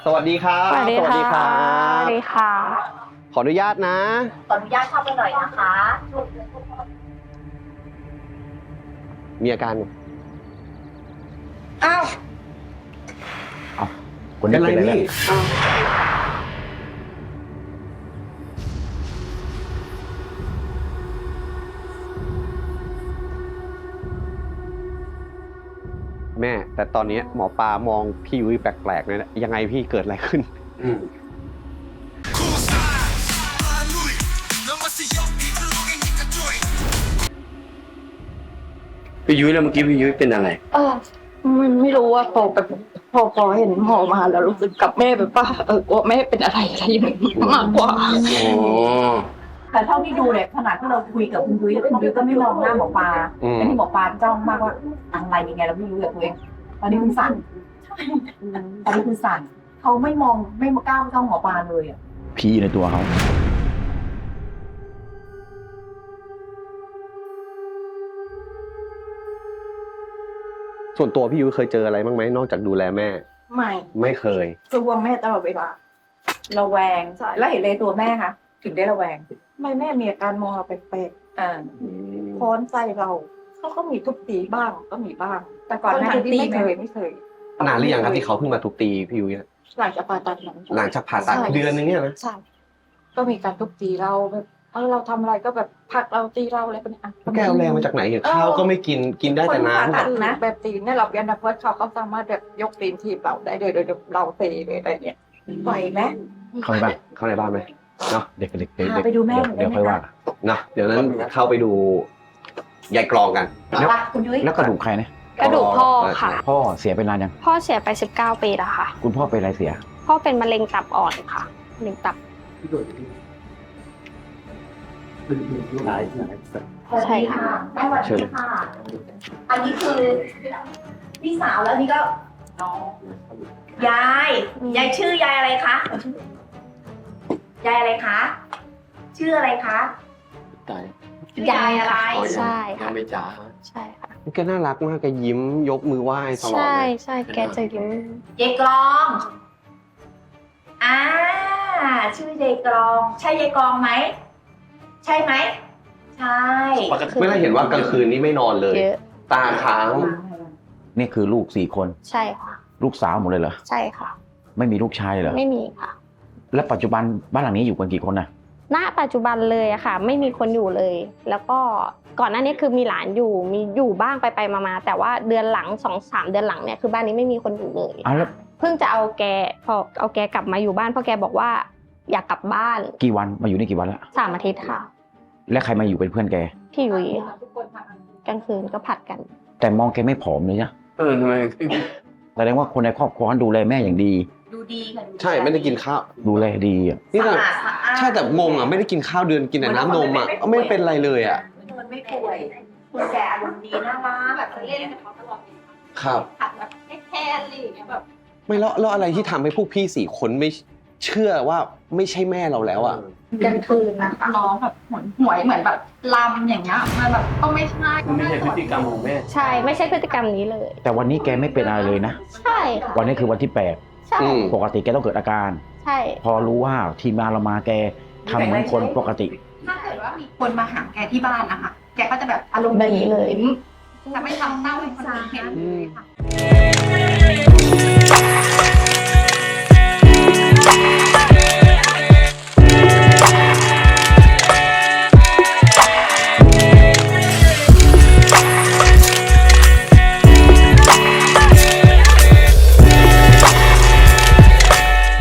สวัสดีครับสวัสดีค่ะสวัสดีค่ะขออนุญาตนะขออนุญาตเข้าไปหน่อยนะคะมีอาการอ้าวคนนี้เป็นอะไรเนี่ยแม่ แต่ตอนนี้หมอปลามองพี่ยุ้ยแปลกๆเลยนะยังไงพี่เกิดอะไรขึ้นพี่ยุ้ยแล้วเมื่อกี้พี่ยุ้ยเป็นอะไรไม่รู้ว่าพอเห็นหมอมาแล้วรู้สึกกับแม่แบบว่าว่าแม่เป็นอะไรอย่างนี้มากกว่าอ๋อแต่เท่าที่ดูเนี่ยขนาดที่เราคุยกับคุณยุ้ยคุณยุ้ยก็ไม่มองหน้าหมอปลาอืมแต่ที่หมอปลาจ้องมากว่าอะไรยังไงเราไม่รู้เลยตัวเองตอนนี้คุณสั่นตอนนี้คุณสั่นเขาไม่มองไม่กล้าจ้องหมอปลาเลยอ่ะผีในตัวเขาส่วนตัวพี่ยุ้ยเคยเจออะไรบ้างไหมนอกจากดูแลแม่ ไม่เคยกลัวแม่ตลอดเวลาระแวงแล้วเห็นเลยตัวแม่คะถึงได้ระแวงไม่แม่มีอาการมองเราแปลกอ่าๆค้อนใจเราเขาก็มีทุบตีบ้างก็มีบ้างแต่ก่อนหน้านี้ไม่ไม่เคยนานหรือยังครับที่เขาเพิ่งมาทุบตีพี่ยุ้ยอะหลังจากผ่าตัดนั้นหลังจากผ่าตัดใช่เดือนนึงเนี่ยนะใช่ก็มีการทุบตีเราแบบเราทำอะไรก็แบบผลักเราตีเราอะไรเป็นอ่ะแกเอาแรงมาจากไหนข้าวก็ไม่กินกินได้แต่น้ำคือแบบตีนเนี่ยเราเรียนนักเวิร์ดเขาสามารถแบบยกตีนทีบเราได้โดยเราเตะเลยอะไรเงี้ยปล่อยไหมเข้าไปบ้านเข้าในบ้านไหมเนาะเด็กพาไปดูแม่หน่อยได้เดี๋ยวไหมค่อยว่าคะเนาะเดี๋ยวนั้นเข้าไปดูยายกรองกันเอาละคุณยุ้ยแล้วกระดูกใครเนี่ยกระดูกพ่อค่ะพ่อเสียไปนานยังพ่อเสียไป19 ปีแล้วค่ะคุณพ่อเป็นอะไรเสียพ่อเป็นมะเร็งตับอ่อนค่ะมะเร็งตับ ใช่ค่ะแม่สวัสดีค่ะ อันนี้คือพี่สาวแล้วนี่ก็น้องยายชื่อยายอะไรคะยายอะไรคะชื่ออะไรคะชื่อยายอะไรใช่ค่ะไม่จ๋าใช่ค่ะแกน่ารักมากแกยิ้มยกมือไหว้ตลอดใช่เลยใช่แกจะยิ้มยายกรองชื่อยายกรอง ใช่ยายกรองไหมใช่ไหมใช่ไม่ได้เห็นว่ากลางคืนนี้ไม่นอนเลยเยอะตาค้างนี่คือลูก4 คนใช่ค่ะลูกสาวหมดเลยเหรอใช่ค่ะไม่มีลูกชายเลยเหรอไม่มีค่ะแล้วปัจจุบันบ้านหลังนี้อยู่กันกี่คนนะณปัจจุบันเลยอะค่ะ ไม่มีคนอยู่เลย แล้วก็ก่อนหน้านี้คือมีหลานอยู่มีอยู่บ้างไปมาแต่ว่าเดือนหลัง2-3 เดือนหลังเนี่ยคือบ้านนี้ไม่มีคนอยู่เลยอ้าวแล้วเพิ่งจะเอาแกพอเอาแกกลับมาอยู่บ้านเพราะแกบอกว่าอยากกลับบ้านกี่วันมาอยู่นี่กี่วันแล้ว 3 อาทิตย์ค่ะและใครมาอยู่เป็นเพื่อนแกพี่ยุ้ยกลางคืนก็ผัดกันแต่มองแกไม่ผอมเลยนะทำไมแสดงว่าคนในครอบครัวดูแลแม่อย่างดีดูดีค่ะดูดีใช่ไม่ได้กินข้าวดูแลดีอ่ะนี่แต่สะอาดสะอาดใช่แต่งงอ่ะไม่ได้กินข้าวเดือนกินแต่น้ำนมอ่ะไม่เป็นไรเลยอ่ะมันไม่ป่วยคุณแกอารมณ์ดีน่ารักแบบเล่นกับเขาตลอดครับผัดแบบแค่อะไรอย่างเงี้ยแบบไม่แล้วอะไรที่ทำให้พวกพี่4 คนไม่เชื่อว่าไม่ใช่แม่เราแล้วอ่ะกลางคืนนะคะร้องแบบหวยเหมือนแบบลำอย่างเงี้ยมันแบบก็ไม่ใช่ไม่ใช่พฤติกรรมของแม่ใช่ไม่ใช่พฤติกรรมนี้เลยแต่วันนี้แกไม่เป็นอะไรเลยนะใช่ค่ะวันนี้คือวันที่ใช่อืม 8ปกติแกต้องเกิดอาการใช่พอรู้ว่าทีมงานเรามาแกทำเหมือนคนปกติถ้าเกิดว่ามีคนมาหาแกที่บ้านนะคะแกก็จะแบบอารมณ์แบบดีนี้เลยจะไม่ทำเต้าให้คนอื่นเห็นเลยค่ะ